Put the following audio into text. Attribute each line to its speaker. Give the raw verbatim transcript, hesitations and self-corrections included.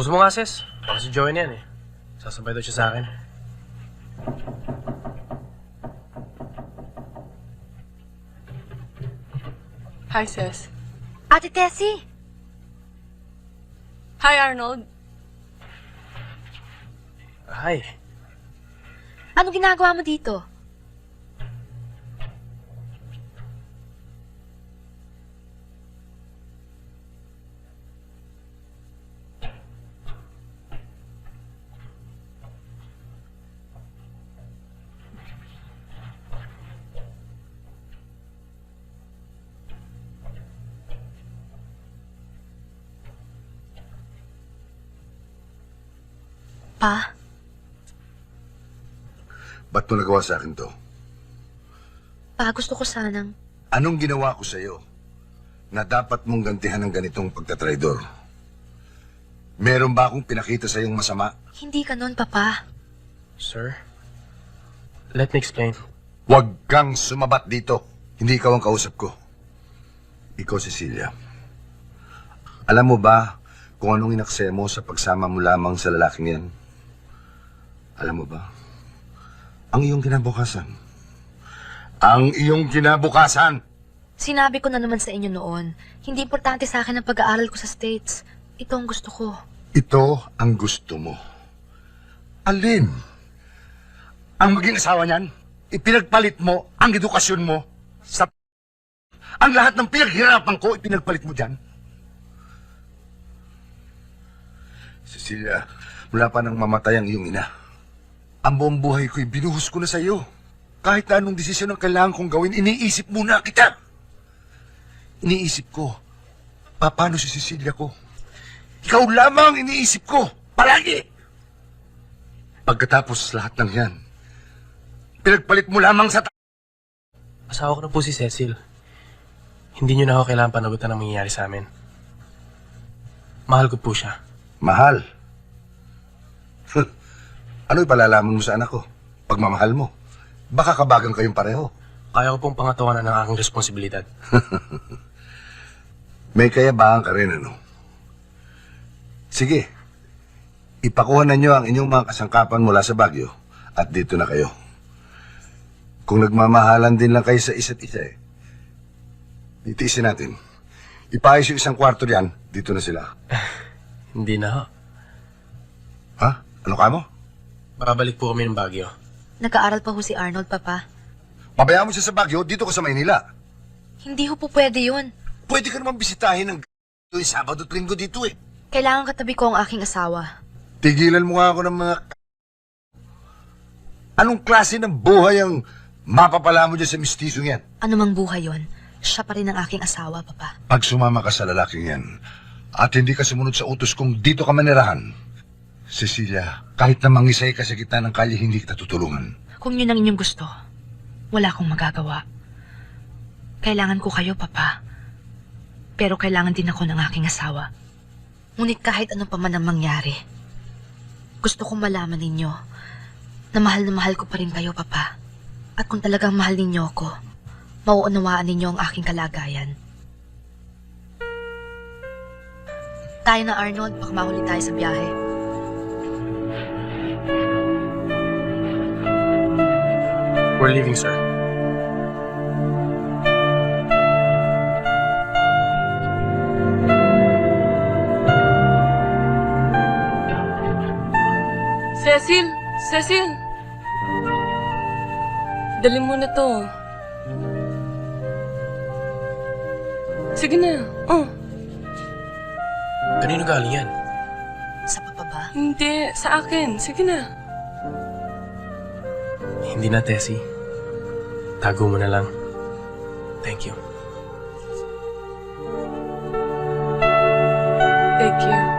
Speaker 1: Tapos mo nga, sis. Baka si Joey na yan eh. Sasabay daw siya sa akin.
Speaker 2: Hi, sis.
Speaker 3: Ate Tessie!
Speaker 2: Hi, Arnold.
Speaker 1: Hi.
Speaker 3: Ano ginagawa mo dito? Pa?
Speaker 4: Ba't mo nagawa sa akin to?
Speaker 3: Pa, gusto ko sanang...
Speaker 4: Anong ginawa ko sa'yo na dapat mong gantihan ng ganitong pagtatraidor? Meron ba akong pinakita sa'yong masama?
Speaker 3: Hindi ka nun, Papa.
Speaker 1: Sir? Let me explain.
Speaker 4: Huwag kang sumabat dito. Hindi ikaw ang kausap ko. Ikaw, Cecilia. Alam mo ba kung anong inaksaya mo sa pagsama mo lamang sa lalaking yan? Alam mo ba? Ang iyong kinabukasan. Ang iyong kinabukasan!
Speaker 3: Sinabi ko na naman sa inyo noon, hindi importante sa akin ang pag-aaral ko sa States. Ito ang gusto ko.
Speaker 4: Ito ang gusto mo. Alin? Ang maging asawa niyan, ipinagpalit mo ang edukasyon mo sa... Ang lahat ng pinaghirapan ko, ipinagpalit mo dyan. Cecilia, mula pa nang mamatay ang iyong ina, ang buong buhay ko'y binuhos ko na sa iyo. Kahit na anong desisyon ang kailangan kong gawin, iniisip muna kita. Iniisip ko, paano si Cecilia ko? Ikaw lamang ang iniisip ko, palagi. Pagkatapos lahat ng yan, pinagpalit mo lamang sa...
Speaker 1: Asawa ko na po si Cecil. Hindi niyo na ako kailangan panagutan ang mangyayari sa amin. Mahal ko po siya.
Speaker 4: Mahal? Ano ipalalaman mo sa anak ko? Pagmamahal mo? Baka kabagang kayong pareho.
Speaker 1: Kaya ko pong pangatawanan ng aking responsibilidad.
Speaker 4: May kayabaan ka rin, ano? Sige, ipakuha na nyo ang inyong mga kasangkapan mula sa Baguio at dito na kayo. Kung nagmamahalan din lang kayo sa isa't isa eh, itiisin natin. Ipaayos yung isang kwarto diyan, dito na sila.
Speaker 1: Hindi na ho.
Speaker 4: Ha? Ano ka mo?
Speaker 1: Babalik po kami ng Baguio.
Speaker 3: Nag-aaral pa ho si Arnold, Papa.
Speaker 4: Pabayaan mo siya sa Baguio, dito ka sa Maynila.
Speaker 3: Hindi ho po pwede yun.
Speaker 4: Pwede ka naman bisitahin ng tuwing Sabado at Linggo dito eh.
Speaker 3: Kailangan katabi ko ang aking asawa.
Speaker 4: Tigilan mo nga ako ng mga... Anong klase ng buhay ang mapapala mo dyan sa mistisong yan?
Speaker 3: Ano mang buhay yon, siya pa rin ang aking asawa, Papa.
Speaker 4: Pag sumama ka sa lalaking yan, at hindi ka sumunod sa utos kung dito ka manirahan, Cecilia, kahit na mangisay ka sa gitna ng kalye, hindi kita tutulungan.
Speaker 3: Kung yun ang inyong gusto, wala akong magagawa. Kailangan ko kayo, Papa. Pero kailangan din ako ng aking asawa. Ngunit kahit ano pa man ang mangyari, gusto kong malaman ninyo na mahal na mahal ko pa rin kayo, Papa. At kung talagang mahal ninyo ako, mauunawaan ninyo ang aking kalagayan. Tayo na, Arnold. Baka mahuli tayo sa biyahe.
Speaker 1: We're leaving, sir.
Speaker 2: Cecil! Cecil! Dali mo na to. Sige na. Oh.
Speaker 1: Kanino galing yan?
Speaker 3: Sa Papa ba?
Speaker 2: Hindi. Sa akin. Sige na.
Speaker 1: Hindi na, Tessie. Tago mo na lang. Thank you.
Speaker 2: Take care.